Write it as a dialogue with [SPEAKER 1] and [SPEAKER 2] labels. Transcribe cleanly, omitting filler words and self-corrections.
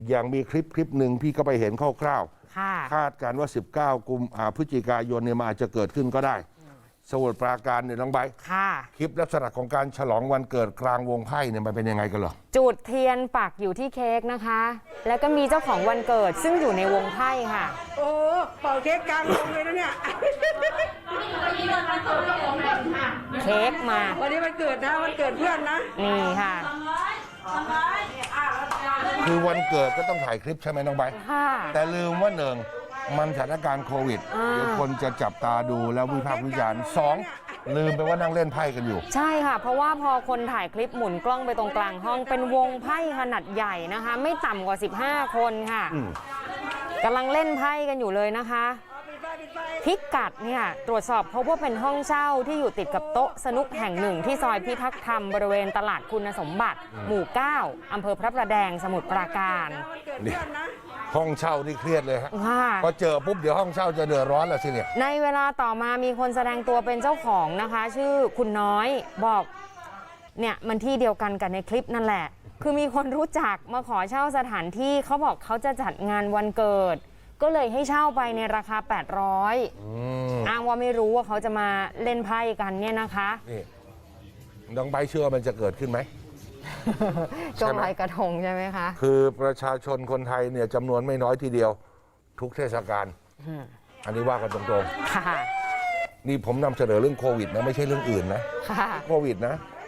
[SPEAKER 1] อย่างมีคลิปหนึ่งพี่ก็ไปเห็นคร่าวๆคาดการว่า19 พฤศจิกายนเนี่ยมันอาจจะเกิดขึ้นก็ได้สมุทรปราการเนี่ยน้องใบคลิปลักษณะของการฉลองวันเกิดกลางวงไพ่เนี่ยมันเป็นยังไงกันเหรอ
[SPEAKER 2] จุดเทียนปักอยู่ที่เค้กนะคะแล้วก็มีเจ้าของวันเกิดซึ่งอยู่ในวงไพ่ค่ะ
[SPEAKER 3] โอ้เป่าเค้กกลางวงเลยนะเนี่ย
[SPEAKER 2] เค้กมา
[SPEAKER 3] วันนี้วันเกิดนะวันเกิดเพื่อนนะ
[SPEAKER 2] นี่ค่ะ
[SPEAKER 1] คือวันเกิดก็ต้องถ่ายคลิปใช่ไหมน้องใบแต่ลืมว่า1มันสถานการณ์โควิดเดี๋ยวคนจะจับตาดูแล้ววิพากษ์วิจารณ์2ลืมไปว่านั่งเล่นไพ่กันอยู่
[SPEAKER 2] ใช่ค่ะเพราะว่าพอคนถ่ายคลิปหมุนกล้องไปตรงกลางห้องเป็นวงไพ่ขนาดใหญ่นะคะไม่ต่ำกว่า15คนค่ะกำลังเล่นไพ่กันอยู่เลยนะคะพิกัดเนี่ยตรวจสอบพบว่าเป็นห้องเช่าที่อยู่ติดกับโต๊ะสนุกแห่งหนึ่งที่ซอยพิทักษ์ธรรมบริเวณตลาดคุณสมบัติหมู่9อำเภอพระประแดงสมุทรปราการ
[SPEAKER 1] นี่ห้องเช่านี่เครียดเลยฮะพอเจอปุ๊บเดี๋ยวห้องเช่าจะเดือดร้อนแล้วสิเนี่ย
[SPEAKER 2] ในเวลาต่อมามีคนแสดงตัวเป็นเจ้าของนะคะชื่อคุณน้อยบอกเนี่ยมันที่เดียวกันกับในคลิปนั่นแหละคือมีคนรู้จักมาขอเช่าสถานที่เขาบอกเขาจะจัดงานวันเกิดก็เลยให้เช่าไปในราคา800อ้างว่าไม่รู้ว่าเขาจะมาเล่นไพ่กันเนี่ยนะคะ
[SPEAKER 1] นี่น้องใบเชื่อมันจะเกิดขึ้นไหม
[SPEAKER 2] ช่วงลอยกระทงใช่ไหมคะ
[SPEAKER 1] คือประชาชนคนไทยเนี่ยจำนวนไม่น้อยทีเดียวทุกเทศกาลอันนี้ว่ากันตรงๆนี่ผมนำเสนอเรื่องโควิดนะไม่ใช่เรื่องอื่นนะโควิดนะ